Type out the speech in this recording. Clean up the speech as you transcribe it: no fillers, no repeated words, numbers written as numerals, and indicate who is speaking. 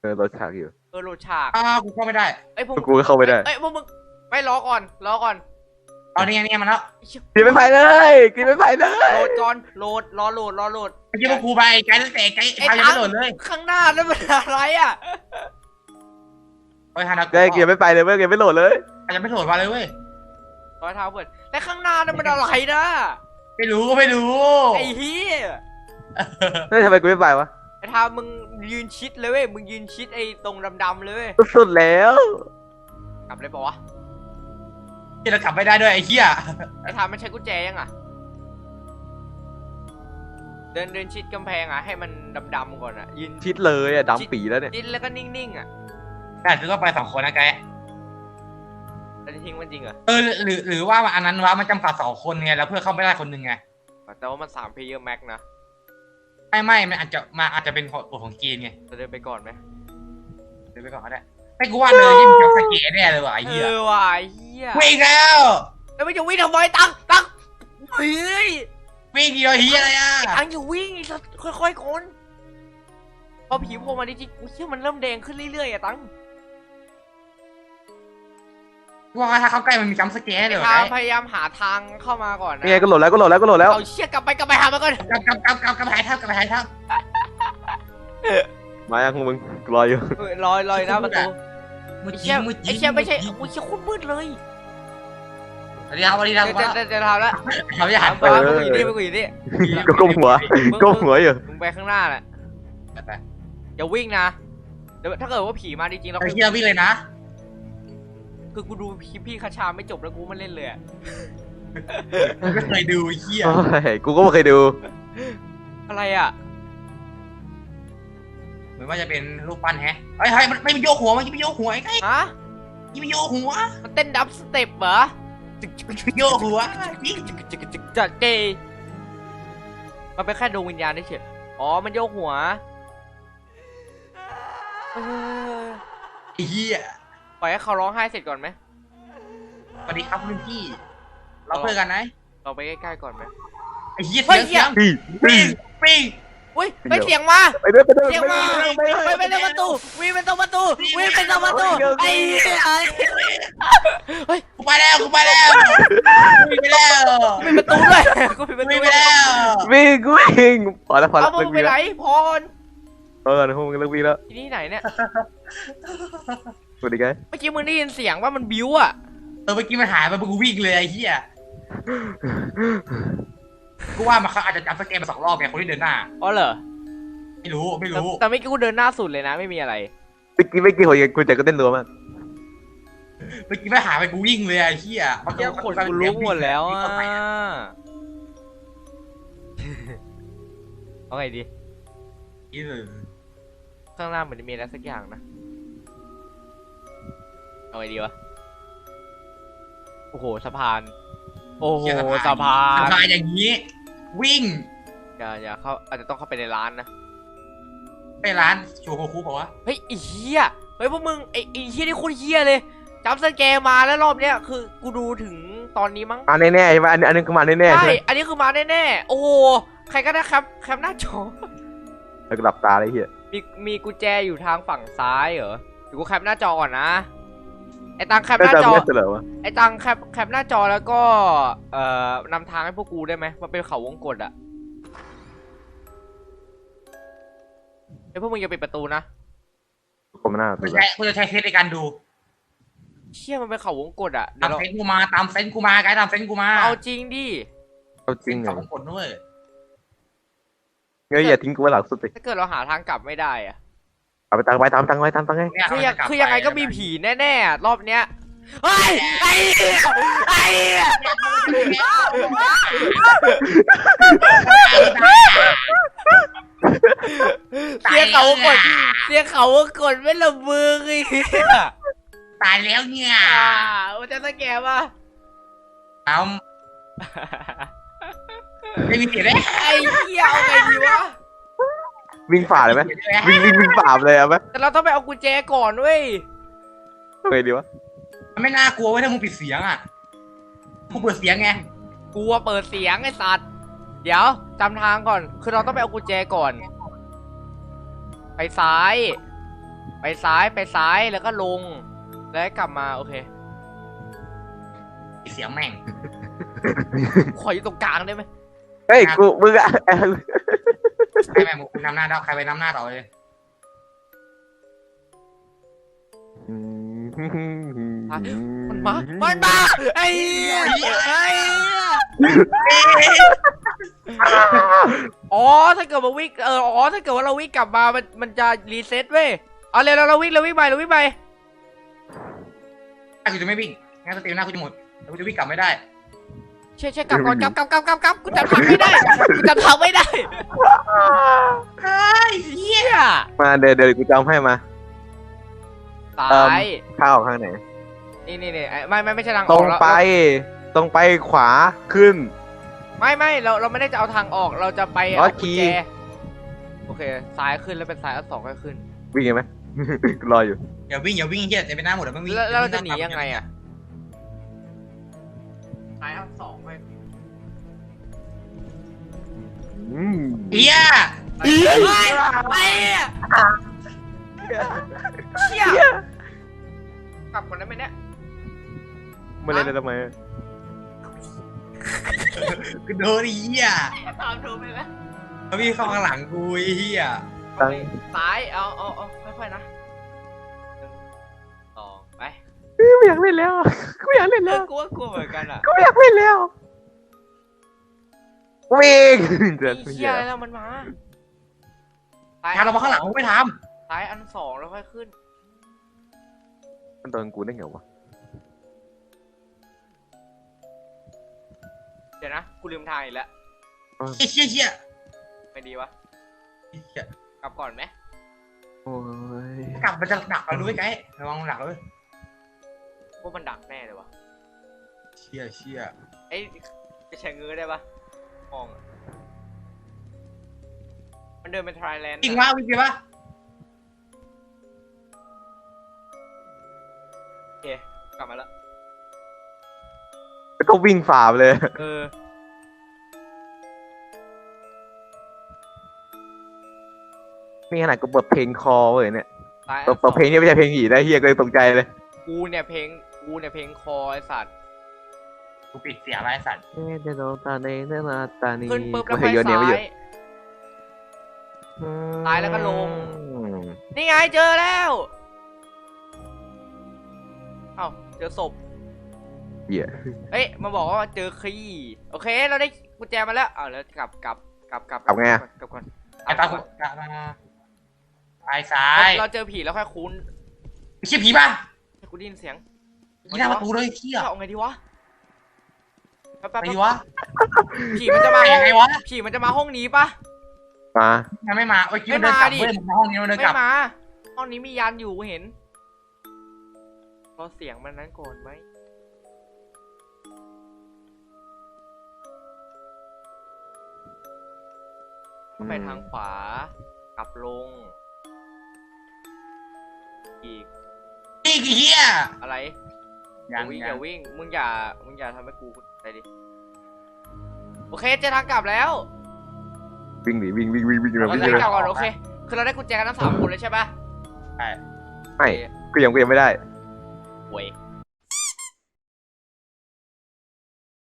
Speaker 1: รถฉากอยู่
Speaker 2: โหลดฉาก
Speaker 3: กูเข้าไม่ได้
Speaker 2: พวก
Speaker 1: กูก็เข้าไม่ได้
Speaker 2: พวกมึงไม่รอก่อน
Speaker 3: เอาเนี่ยมันแล้ว
Speaker 1: กินไม่ไปเลยกินไม่ไปเลย
Speaker 2: โหลดก่อนโหลดรอโหลด
Speaker 3: เมื่อกี้พวกกูไปไกด์ตั้งแต่ไกด์พายังไม่โหลดเลย
Speaker 2: ข้างหน้านั่นมันอะไรอ่ะ
Speaker 3: เฮ้ยฮานา
Speaker 1: กินไม่ไปเลยเว้ยกินไม่โหลดเลย
Speaker 3: อาจจะไม่โหลดมาเลยเว้ย
Speaker 2: รอยเท้าเปิดแต่ข้างหน้านั่นมันอะไรนะ
Speaker 3: ไม่รู้
Speaker 2: ไอ้เหี้ย
Speaker 1: เฮ้ยทำไมกูไม่ไปวะ
Speaker 2: ไอ้ทามึงยืนชิดเลยเว้ยมึงยืนชิดไอ้ตรงดำๆเลยเว้ย
Speaker 1: สุดแล้ว
Speaker 2: กลับเลยปะวะ
Speaker 3: ที่เรากลับไม่ได้ด้วยไอ้เหี้ย
Speaker 2: ไอ้ทามันใช้กุญแจยังอ่ะเดินชิดกำแพงอ่ะให้มันดำๆก่อนอ่ะยืน
Speaker 1: ชิดเลยอ่ะดำปีแล้วเนี่ย
Speaker 2: ชิดแล้วก็นิ่งๆอ่ะ
Speaker 3: แต่คือก็ไป2 คนนะไกด์
Speaker 2: แต่ทิ้งมันจริงเหรอ
Speaker 3: หรือว่าอันนั้นว่ามันจำกัด2 คนไงแล้วเพื่อเข้าไม่ได้คนหนึ่งไง
Speaker 2: แต่ว่ามัน3 player max นะ
Speaker 3: ไม่มันอาจจะเป็นกฎของเกมไง
Speaker 2: จะเดินไปก่อนไหม
Speaker 3: เดินไปก่อนก็ได้ไม่กูว่าเลยยิ่งจับสเกตแน่เลยว่ะไอ้เหี้ย
Speaker 2: ว่ะไอ้เหี้ย
Speaker 3: วิ่งแล้ว
Speaker 2: ไม่จะวิ่งทำไมตั้งเฮ้ย
Speaker 3: วิ่งเดียวเหี้ยอะไรอ่ะ
Speaker 2: ตั้งอยู่วิ่งค่อยๆคนพอผีโผล่มาดิจิกูเชื่อมันเริ่มแดงขึ้นเรื่อยๆอะตั้ง
Speaker 3: ว่าถ้าเข้าใกล้มันมีจัมป์สแกร์เลย
Speaker 2: พยายามหาทางเข้ามาก่อนนะ
Speaker 1: นี่ก็โหลดแล้ว
Speaker 2: เอาเชี่ยกลับไปหามันก่อน
Speaker 3: กลับไปหายทับ
Speaker 1: มายังมึงรออยู่
Speaker 2: รอนะประตูไอ้เชี่ยไม่ใช่กูเชี่ยโคตรมืดเลย
Speaker 3: เดี๋ยว
Speaker 2: จะทำแล้ว
Speaker 3: ทำยังไง
Speaker 2: ไปกูอยู่นี่
Speaker 1: ก็ก้มหัวอยู่
Speaker 2: มึงไปข้างหน้าแหละอย่าวิ่งนะเดี๋ยวถ้าเกิดว่าผีมาจริงๆเรา
Speaker 3: เชี่ยวิ่งเลยนะ
Speaker 2: คือกูดูพี่คาชาไม่จบแล้วกูมาเล่นเลย
Speaker 3: ไม่เคยดูเหี้ย
Speaker 1: กูก็ไม่เคยดู
Speaker 2: อะไรอ่ะ
Speaker 3: เหมือนว่าจะเป็นรูปปั้นแฮะเฮ้ยมันไม่มีโยกหัวมันไม่โยกหัวไอ้ไง
Speaker 2: ฮะ
Speaker 3: ไม่โยกหัว
Speaker 2: มันเต้นดับสเต็ปเหรอ
Speaker 3: โยกหัว
Speaker 2: จัดเจมันเป็นแค่ดวงวิญญาณเฉยอ๋อมันโยกหัว
Speaker 3: ไอ้เหี้ย
Speaker 2: ปล่อยให้เขาร้องไห้เสร็จก่อนไหม
Speaker 3: สวัสดีครับรุ่นพี่เราเพื่อนกันไหม
Speaker 2: เราไปใกล้ๆก่อนไหม
Speaker 3: ไอ้เหี้ยเสียงปิ้ง
Speaker 2: อุ้ยไปเสียงมาเสียงมาไปเป็นประตูวิ่งเป็นประตูวิ่งเป็นประตูไอ้เฮ้ย
Speaker 3: กูไปแล้ววิ่งไปแล้ว
Speaker 2: มีประตูด้วยกูมีประตู
Speaker 3: ไปแล้ว
Speaker 1: วิ่งพอแล้ว
Speaker 2: เอามึงไปไหนพร
Speaker 1: พอแล้วพวกมึงเลิกวิ่งแล้ว
Speaker 2: ที่นี่ไหนเนี่ย
Speaker 1: สวัสดีไง
Speaker 2: เมื่อกี้มึงได้ยินเสียงว่ามันบิ้วอ่ะ
Speaker 3: เมื่อกี้มันหายไปกูวิ่งเลยไอ้เหี้ยกูว่ามันอาจจะจับสเกมมา2 รอบไงคนที่เดินหน้า
Speaker 2: อ๋อเหรอ
Speaker 3: ไม่รู้
Speaker 2: แต่ไม่กูเดินหน้าสุดเลยนะไม่มีอะไร
Speaker 1: เมื่อกี้หัวกูใจก็เต้นรัวมาก
Speaker 3: เมื่อกี้ไม่หายไปกูวิ่งเลยไอ้เหี้ย
Speaker 2: เมื่อกี้คนกูรู้หมดแล้วอ่ะเอาไงดีข้างหน้าเหมือนจะมีอะไรสักอย่างนะเอาไงดีวะโอ้โหสะพานโอ้โหสะพาน
Speaker 3: อย่างนี้วิ่ง
Speaker 2: อย่าเข้าอาจจะต้องเข้าไปในร้านนะ
Speaker 3: ไปร้านโชว์คูเปล่าวะ
Speaker 2: เฮ้ยไอ้เหี้ยเฮ้ยพวกมึงไอ้เหี้ยนี่โคตรเหี้ยเลยจับสแกร์มาแล้วรอบเนี้ยคือกูดูถึงตอนนี้มั้ง
Speaker 1: มาแน่ๆใช่ไหมอันนี้คือมาแน่ๆ
Speaker 2: ใช่อันนี้คือมาแน่ๆโอ้โหใครก็ได้ครับแคปหน้าจอ
Speaker 1: แล้วก็หลับตาเลยเฮีย
Speaker 2: มีกุญแจอยู่ทางฝั่งซ้ายเหรอเดี๋ยวกูแคปหน้าจอก่อนนะไอ้ตังแคปหน้าจอไอ้ตังแคปหน้าจอแล้วก็นำทางให้พวกกูได้ไหมมันเป็นเขาวงกตอ่ะไอ้พวกมึงอย่าปิดประตูนะ
Speaker 1: ผมหน้า
Speaker 3: กูจะใช้เทสในการดู
Speaker 2: เชี่ยมันเป็นเขาวงกตอ่ะ
Speaker 3: ตามเซนกูมาไกด์ตามเซนกูมา
Speaker 2: เอาจริงดิ
Speaker 1: เอาจริง
Speaker 3: เขาวงกตด้วย
Speaker 1: เงยอย่าทิ้งกูไว้หลังสุดเลย
Speaker 2: ถ้าเกิดเราหาทางกลับไม่ได้อ่ะ
Speaker 1: เอาไปตามไง
Speaker 2: คือยังไงก็มีผีแน่ๆรอบเนี้ยเฮ้ยไอ้เสียเขากดไม่ละมือไอ้
Speaker 3: ตายแล้วเนี่ย
Speaker 2: มันจะตะแกป่ะ
Speaker 3: เอาไม่มีเสียงเลย
Speaker 2: ไอ้เหี้ยเอาไงดีวะ
Speaker 1: วิ่งฝ่าเลยไหมวิ่งฝ่าเลยเอาไหม
Speaker 2: แต่เราต้องไปเอากุญแจก่อนเว้ย
Speaker 1: เอาไงดีวะ
Speaker 3: มันไม่น่ากลัวเว้ยถ้ามึงปิดเสียงอ่ะกูเปิดเสียงไง
Speaker 2: กลัวเปิดเสียงไอ้สัตว์เดี๋ยวจำทางก่อนคือเราต้องไปเอากุญแจก่อนไปซ้ายไปซ้ายแล้วก็ลง แล้วกลับมาโอเค
Speaker 3: เสียงแม่ง
Speaker 2: ขออยู่ตรงกลางได้ไหม
Speaker 1: เฮ้ยกูมึงอะ
Speaker 3: ใครแม่งมึงนำหน้าได้ใครไปนำหน้าต่อเลย
Speaker 2: มันมาไอ้เหี้ยไอ้เหี้ยอ๋อถ้าเกิดมาวิ่งถ้าเกิดว่าเราวิ่งกลับมามันจะรีเซ็ตเว้ยเอาเลยเราวิ่งไป
Speaker 3: ถ้ากูจะไม่วิ่งงั้นสติลหน้ากูจะหมดแล้วกูจะวิ่งกลับไม่ได้
Speaker 2: เช่กลับก่อนกลับกูจำทางไม่ได้ไอ้เหี้ย
Speaker 1: มาเดี๋ยวกูจำให้มา
Speaker 2: ซ้าย
Speaker 1: ข้าวข้างไหน
Speaker 2: นี่ไม่ใช่ทางอ
Speaker 1: ต
Speaker 2: อ
Speaker 1: ร
Speaker 2: ก
Speaker 1: ง
Speaker 2: แล้ว
Speaker 1: ไปตรงไปขวาขึ้น
Speaker 2: ไม่เราไม่ได้จะเอาทางออกเราจะไป
Speaker 1: อ๋อ
Speaker 2: เอากุญแจ
Speaker 1: ขี่
Speaker 2: โอเคซ้ายขึ้นแล้วเป็นซ้ายอัน2ก็ขึ้น
Speaker 1: วิ่งยังไหม กูรออยู่
Speaker 3: อย่าวิ่งเฮียจะเป็นหน้าหมดแล้วไม่วิ่ง
Speaker 2: แล้วเราจะหนียังไงอ่ะซ้ายอัน2ไป
Speaker 3: เฮีย
Speaker 2: ไปเชี่ยกลับก่อนได้ไหมเนี่ย
Speaker 1: มาเล่นได้ทำไม
Speaker 3: กูโดนเฮีย
Speaker 2: ตามดูไปแล้ว
Speaker 3: แล้ววิ่งเข้าข้างหลังกูเฮีย
Speaker 1: ตั้ง
Speaker 2: ซ้ายเอาค่อยๆนะ1 2ไป
Speaker 1: ไม่อยากเล่นแล้วกูอยากเล่นแล้ว
Speaker 2: กลัวเหมือนกันอ่ะ
Speaker 1: กูอยากเล่นแล้ววิ่ง
Speaker 2: เชี่ยแล้วมันมาซ้าย
Speaker 3: ทางเรามาข้างหลังกูไม่ท
Speaker 2: ซ้ายอัน2แล้วค่อยขึ้น
Speaker 1: มันโดนกูได้ไงวะ
Speaker 2: เดี๋ยวนะกูลืมทางอีกแล้ว
Speaker 3: ำเฮีย
Speaker 2: ไม่ดีวะกลับก่อนไหม
Speaker 1: โอ้ย
Speaker 3: กลับมันจะดักเราด้วยไกด์ระวังดักเลย
Speaker 2: ว่ามันดักแน่เลยวะ
Speaker 3: เชี่ย
Speaker 2: เอ้ยจะใช้เงื้อได้ปะมองอะมันเดินเป็นไทยแลนด์
Speaker 3: จริงว่าวิ่งไปปะ
Speaker 2: โอเคกลับมาแล้ว
Speaker 1: แล้วก็วิ่งฝ่าไปเลย นี่ขนาดกูเปิดเพลงคอเว้ยเนี่ย
Speaker 2: ซ้าย
Speaker 1: เปิดเพลงนี่ไม่ใช่เพลงหีได้เฮียก็เลยตกใจเลย
Speaker 2: กูเนี่ยเพลงคอไอสัตว์
Speaker 3: กูปิดเสียงไรสัตว์
Speaker 1: เดโนตาเนเนนาตานี
Speaker 2: ขึ้นปุ๊บแล้ว
Speaker 1: กู
Speaker 2: ไป
Speaker 1: เห็นโยนเนี่ยไม่หยุด
Speaker 2: ซ้ายแล้วก็ลง นี่ไงเจอแล้วเอ้าเจอศพ
Speaker 1: เหี้ย
Speaker 2: เอ้ยมาบอกว่าเจอคีย์โอเคเราได้กุญแจมาแล้วเอาแล้วกลับ
Speaker 1: กลับไงอะ
Speaker 2: กลับก่อน
Speaker 3: ไอ้ตากูกลับมาซ้าย
Speaker 2: เราเจอผีแล้วค่อยคุ้น
Speaker 3: ไม่ใช่ผีป่ะ
Speaker 2: ให้กูได้ยินเสียง
Speaker 3: ที่หน้าประตูเลยเชี่ย
Speaker 2: เอาไงดีวะแป๊บ
Speaker 3: ไปดีวะ
Speaker 2: ผีมันจะมา
Speaker 3: ไป
Speaker 2: ห้อง
Speaker 3: ยังไงวะ
Speaker 2: ผีมันจะมาห้องนี้ปะ
Speaker 1: มา
Speaker 3: ยังไม่มาโอ้ยคิดว่าเดินกลับ
Speaker 2: ไม่
Speaker 3: เว้ย
Speaker 2: มาดิ
Speaker 3: มันห้องนี้มันเดิน
Speaker 2: ไม่
Speaker 3: กลับ
Speaker 2: มาห้องนี้มียันอยู่เห็นรอเสียงมันนั้นก่อนไหมไปทางขวากลับลง อีก
Speaker 3: นี่กี่เฮีย
Speaker 2: อะไร
Speaker 3: ยัง
Speaker 2: อย่าวิ่งมึงอย่าทำให้กูไปดิโอเคเจอทางกลับแล้ว
Speaker 1: วิ่งดิวิ่งเลย
Speaker 2: เรา
Speaker 1: วิ่ง
Speaker 2: จะ
Speaker 1: เลย
Speaker 2: กลับก่อนโอเคคือเราได้กุญแจกันทั้ง3 คนเลยใช่ปะ
Speaker 1: ไม่กูยังไม่ได้
Speaker 2: โว้ย